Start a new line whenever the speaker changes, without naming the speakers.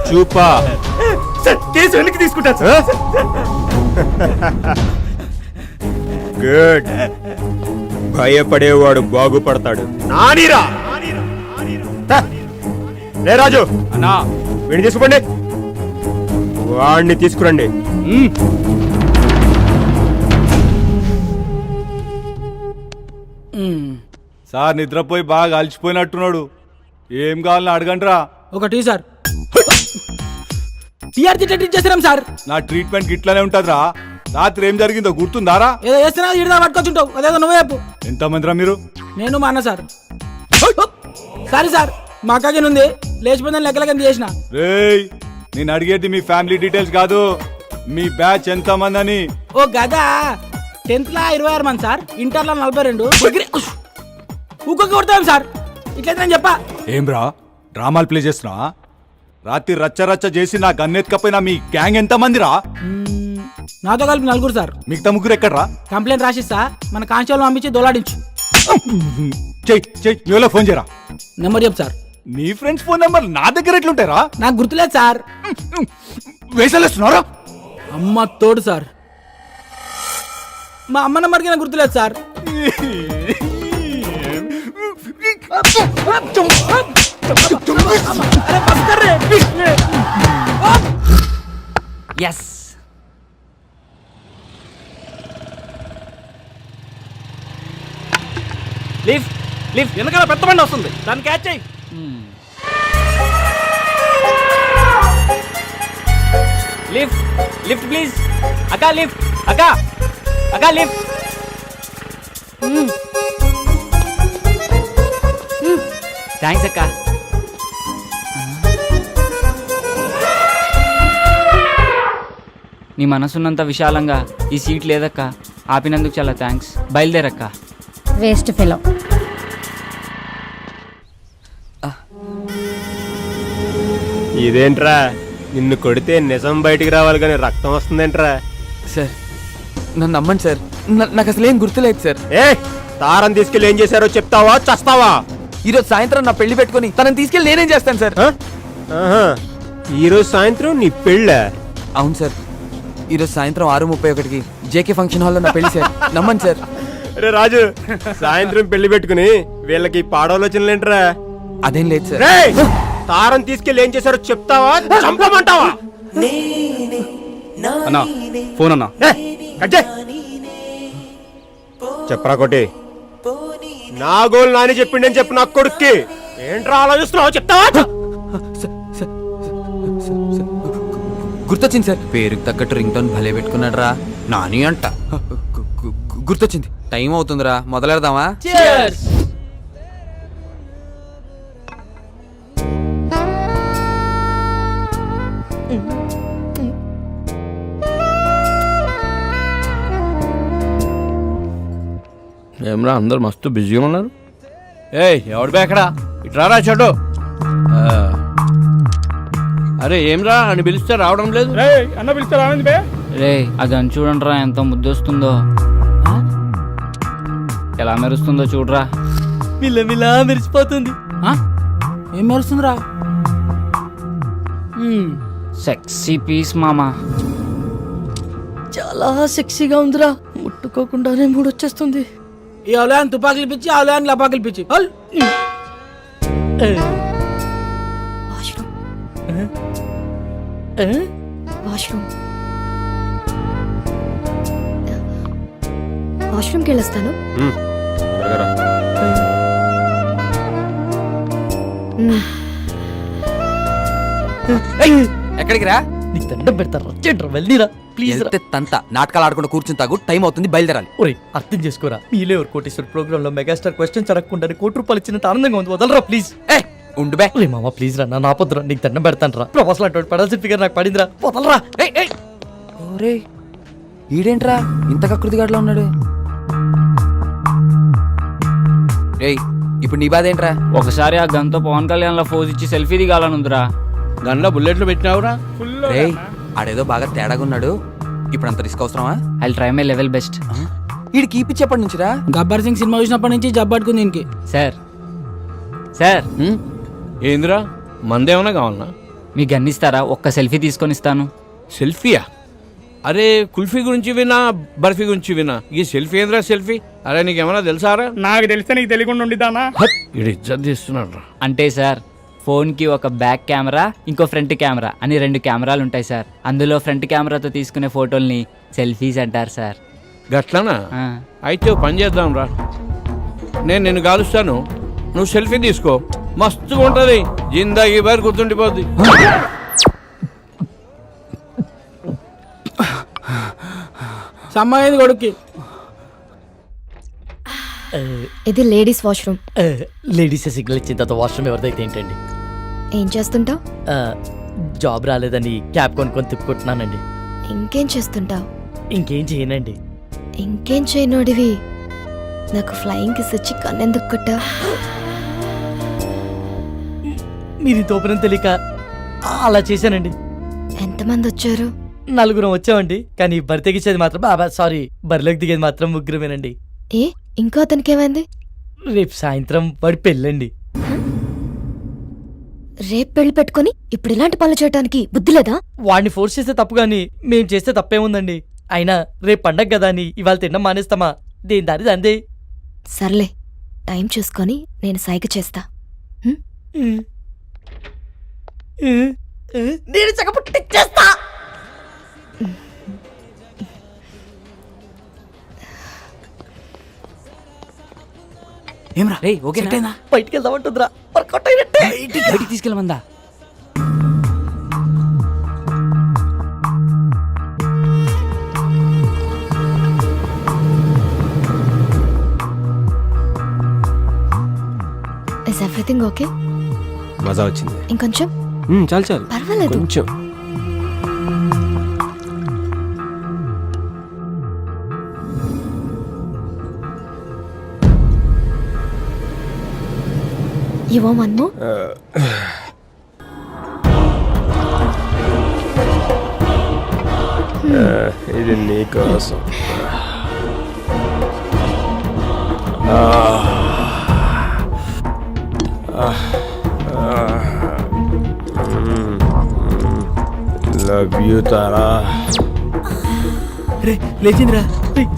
చూపా
sir case వెనక్కి తీసుకుంటాను sir.
Good. భయపడేవాడు బాగుపడతాడు. నానీరా రే రాజు
అన్నా
వీడిని తీసుకోండి, వాడిని తీసుకురండి.
సార్ నిద్రపోయి బాగా అలసిపోయినట్టున్నాడు. ఏం కావాలని అడగండిరా.
ఒకటి సార్ టీఆర్జీ ట్రీట్ చేస్తున్నాం సార్.
నా ట్రీట్మెంట్ ఇట్లానే ఉంటదిరా. రాత్రి ఏం జరిగిందో గుర్తుందారా?
ఏదో చేస్తున్నా ఇడిదా పట్టుకొచ్చుంటావు, అదేదో నువ్వే చెప్పు.
ఎంతమందిరా మీరు?
నేను మా అన్న సార్. సారీ సార్, మా అక్కకి ఉంది లేచిపోయిందని లెక్కలకి చేసిన.
రేయ్, నేను అడిగేది మీ ఫ్యామిలీ డీటెయిల్స్ కాదు, మీ బ్యాచ్ ఎంత మంది అని.
ఓ గదా 10th లా 26 మంది సార్, ఇంటర్లో 42. ఊకొక్క కొడతాం సార్. ఇట్లయితే నేను చెప్పా.
ఏం రా డ్రామాలు ప్లే చేస్తున్నా? రాత్రి రచ్చ రచ్చ చేసి నా గన్నెత్తుకపోయినా మీ గ్యాంగ్ ఎంత మందిరా?
నాతో కలిపి 4 సార్.
మిగతా ముగ్గురు ఎక్కడ్రా?
కంప్లైంట్ రాసిస్తా, మన కానిస్టేబుల్ పంపించి దోలాడించు.
చెయ్యి ఫోన్ చేయరా.
నెంబర్ చెప్పు సార్.
నీ ఫ్రెండ్స్ ఫోన్ నెంబర్ నా దగ్గర ఎట్లుంటారా?
నాకు గుర్తులేదు సార్.
వేసలేస్తున్నారా?
అమ్మ తోడు సార్. మా అమ్మ నెంబర్కి నాకు గుర్తులేదు సార్.
ఎస్ లిఫ్ట్ లిఫ్ట్ వెనకాల పెద్ద బండి వస్తుంది, దాన్ని క్యాచ్ చేయి. Lift lift please. అక్క లిఫ్ట్, అక్క అక్క లిఫ్ట్. థ్యాంక్స్ అక్క.
నీ మనసున్నంత విశాలంగా ఈ సీట్ లేదక్క, ఆపినందుకు చాలా థ్యాంక్స్. బయలుదేరక్క.
Waste fellow.
ఇదేంట్రా, నిన్ను కొడితే నిజం బయటికి రావాలి కానీ రక్తం వస్తుందేంట్రా?
సార్ నన్ను నమ్మండి సార్, నాకు అసలు ఏం గుర్తులేదు సార్.
ఏ తారం తీసుకెళ్ళి ఏం చేశారో చెప్తావా చస్తావా?
ఈరోజు సాయంత్రం నా పెళ్లి పెట్టుకుని తనని తీసుకెళ్ళి నేనేం చేస్తాను సార్?
ఈరోజు సాయంత్రం నీ పెళ్ళ?
అవును సార్, ఈరోజు సాయంత్రం 6:31కి జేకే ఫంక్షన్ హాల్లో నా పెళ్లి సార్. నమ్మండి సార్.
రే రాజు, సాయంత్రం పెళ్లి పెట్టుకుని వీళ్ళకి పాడాలోచనలేంట్రా?
అదేం లేదు సార్.
తారం తీసుకెళ్ళి ఏం చేశారో చెప్తావా చంపమంటావా?
అన్నా ఫోన్ అన్నా.
చెప్పరా కొట్టి. నా గోల్ నాని చెప్పిండని చెప్పు నా కొడుక్కి. ఏంట్రా ఆలోచిస్తున్నావు చెప్తావా?
గుర్తొచ్చింది సార్, పేరుకి తగ్గట్టు రింగ్ టోన్ భలే పెట్టుకున్నాడు రా. నాని అంట. గుర్తొచ్చింది, టైం అవుతుందిరా, మొదలెడదామా?
ఏమరా అందరు మస్తు బిజీగా ఉన్నారు. ఎవడు బేకడా ఇట్రారా చెడు. అరే ఏమ్రా అని పిలిస్తే రావడం లేదు. అన్న పిలిస్తే రావండి బే.
రే అది అని చూడండిరా, ఎంత ముద్దొస్తుందో, ఎలా మెరుస్తుందో చూడరా.
మిల్లమిలా మెరిసిపోతుంది.
ఏం మెరుస్తుందిరా?
సెక్సీ పీస్ మామా.
చాలా సెక్సీగా ఉందిరా, ముట్టుకోకుండానే మూడొచ్చేస్తుంది.
ఈ అవలయాన్ని తుపాకులు పిచ్చి, అవలయాన్ని లపాకులు పిచ్చి.
వాష్రూమ్కి వెళ్ళొస్తాను.
ఎక్కడికి రా?
నీకు దండం పెడతారా? వెళ్ళిరా ప్లీజ్.
తంత నాటకాలు ఆడకుండా కూర్చుని తాగు, టైం అవుతుంది, బయలుదేరాలి.
ఒరే అర్థం చేసుకోరా, మీలే ఒక కోటేశ్వర ప్రోగ్రామ్ లో మెగాస్టార్ క్వశ్చన్స్ అడగకుండా ₹1 ఇచ్చినంత ఆనందంగా ఉంది. వదలరా ప్లీజ్.
ఉండు బే.
ఒరే మామ ప్లీజ్ రా, నా పొద్దురా నీకు దండం పెడతాను రా. ప్రొఫెసర్ అటువంటి పడాల్సిన ఫిగర్ నాకు పడిందిరా, వదలరా.
ఓరే ఈడేంట్రా ఇంత కకృతిగాడ్లా ఉన్నాడు? రేయ్ ఇప్పుడు నీ బాధ ఏంట్రా?
ఒకసారి ఆ గన్తో పవన్ కళ్యాణ్ లా ఫోజ్ ఇచ్చి సెల్ఫీ దిగాలనుందిరా.
గన్లో బుల్లెట్లు పెట్టినావురా?
రేయ్ ఆడేదో బాగా తేడాగా ఉన్నాడు, ఇప్పుడు అంత రిస్క్ అవసరమా?
I try my level best.
ఈడు కీపిచ్చేప్పటి నుంచిరా?
గబ్బర్ సింగ్ సినిమా చూసినప్పటి నుంచి జబ్బు పట్టుకుంది దీనికి.
సార్ సార్
ఏందిరా మందేమన్నా కావాలన్నా?
మీ గన్నిస్తారా? ఒక్క సెల్ఫీ తీసుకొని ఇస్తాను.
సెల్ఫీయా? అరే కుల్ఫీ గురించి వినా, బర్ఫీ గురించి వినా, ఈ సెల్ఫీ ఏంద్రా సెల్ఫీ? అరే నీకేమన్నా తెలుసారా?
నాకు తెలిస్తే నీకు తెలియకుండా ఉండిదానా?
ఇడు ఇజ్జత్ తీస్తున్నాడు రా.
అంటే సార్, ఫోన్కి ఒక బ్యాక్ కెమెరా, ఇంకో ఫ్రంట్ కెమెరా అని 2 కెమెరాలు ఉంటాయి సార్. అందులో ఫ్రంట్ కెమెరాతో తీసుకునే ఫోటోల్ని సెల్ఫీస్ అంటారు సార్.
గట్లనా?
ఆ.
అయితే ఓ పని చేద్దాం రా, నేను నిన్ను కాలుస్తాను, నువ్వు సెల్ఫీ తీసుకో, మస్తుగా ఉంటుంది, జిందాగీ బారి గుర్తుండిపోద్ది.
సమ్మయ్యింది కొడుక్కి.
ఇది లేడీస్ వాష్రూమ్.
లేడీస్ సిగ్నల్ ఇచ్చిన తర్వాత వాష్రూమ్ ఎవరిదైతే ఏంటండి?
ఏం చేస్తుంటావు?
జాబ్ రాలేదని క్యాబ్ కొనుక్కొని తిప్పుకుంటున్నానండి.
ఇంకేం చేస్తుంటావు?
ఇంకేం చేయనండి.
ఇంకేం చేయనోడివి నాకు ఫ్లయింగ్ కిస్ ఇచ్చి కన్నెందుకు కొట్టా?
మీరు తోపనం తెలియక అలా చేశానండి.
ఎంతమంది వచ్చారు?
4 వచ్చామండి, కానీ బరి తెగించేది మాత్రం సారీ, బరిలోకి దిగేది మాత్రం 3
ఏ ఇంకో అతనికి ఏమైంది?
రేపు సాయంత్రం వాడి పెళ్ళండి.
రేపు పెళ్లి పెట్టుకొని ఇప్పుడు ఇలాంటి పనులు చేయడానికి బుద్ధి లేదా?
వాడిని ఫోర్స్ చేస్తే తప్పు కానీ మేం చేస్తే తప్పేముందండి? అయినా రేపు పండగ కదా అని ఇవాళ తినడం మానేస్తామా? దేని దారి అందే.
సర్లే, టైం చూసుకొని నేను సైగ చేస్తా.
నేను చక్కపుట్టిచ్చేస్తా.
ఏమ్రా
రేయ్, ఓకేనా?
బయటికి వెళ్దామంటుందిరా, వర్కౌట్ అయినట్టే.
బయటికి తీసుకెళ్ళమందా?
Is everything okay?
మజా వచ్చింది.
ఇంకొంచెం?
చాలు చాలు,
పర్వాలేదు.
కొంచెం.
You want one more?
ఇది నీకోసం. Love you Tara.
లేచిందిరా,